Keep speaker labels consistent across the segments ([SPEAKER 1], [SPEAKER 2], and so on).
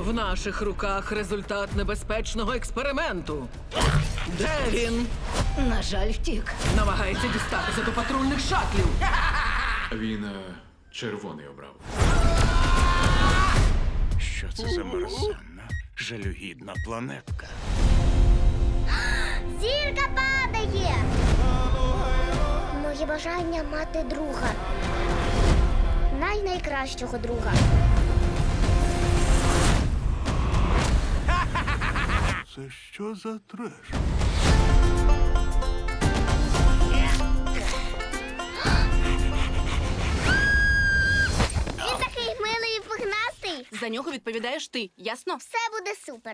[SPEAKER 1] В наших руках результат небезпечного експерименту. Де він?
[SPEAKER 2] На жаль, втік.
[SPEAKER 1] Намагається дістатися до патрульних шатлів.
[SPEAKER 3] Він червоний обрав.
[SPEAKER 4] Що це за мерзенна, жалюгідна планетка?
[SPEAKER 5] Зірка падає! Моє бажання мати друга. Найкращого друга.
[SPEAKER 4] Це що за треш?
[SPEAKER 5] Він такий милий і пухнастий.
[SPEAKER 2] За нього відповідаєш ти, ясно?
[SPEAKER 5] Все буде супер.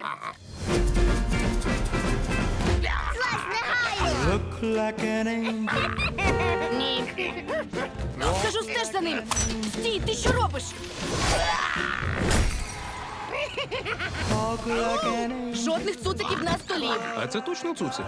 [SPEAKER 5] Злазь негайно!
[SPEAKER 2] Ні. Кажу, стеж за ним. Стій, ти що робиш? Жодних цуциків на столі.
[SPEAKER 6] А це точно цуцик?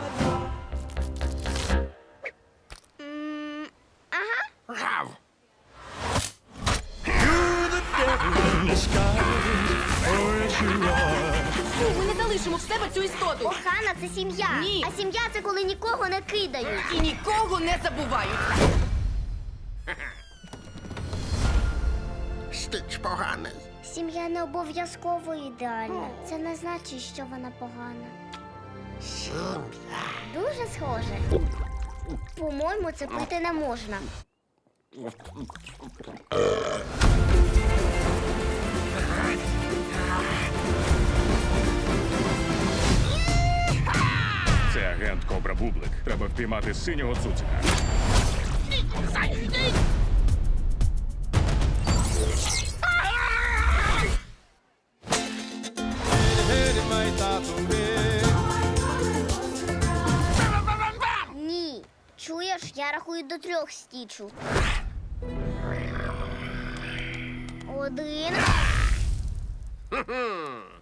[SPEAKER 2] Фу, ми не залишимо в себе цю істоту.
[SPEAKER 5] Охана – це сім'я.
[SPEAKER 2] Ні.
[SPEAKER 5] А сім'я – це коли нікого не кидають.
[SPEAKER 2] І нікого не забувають.
[SPEAKER 7] Стич поганий.
[SPEAKER 5] Сім'я не обов'язково ідеальна. Це не значить, що вона погана.
[SPEAKER 7] Сім'я.
[SPEAKER 5] Дуже схоже. По-моєму, це пити не можна.
[SPEAKER 4] Це агент Кобра Бублик. Треба впіймати синього цуцика.
[SPEAKER 5] Ні. Чуєш, я рахую до 3 стічу. 1.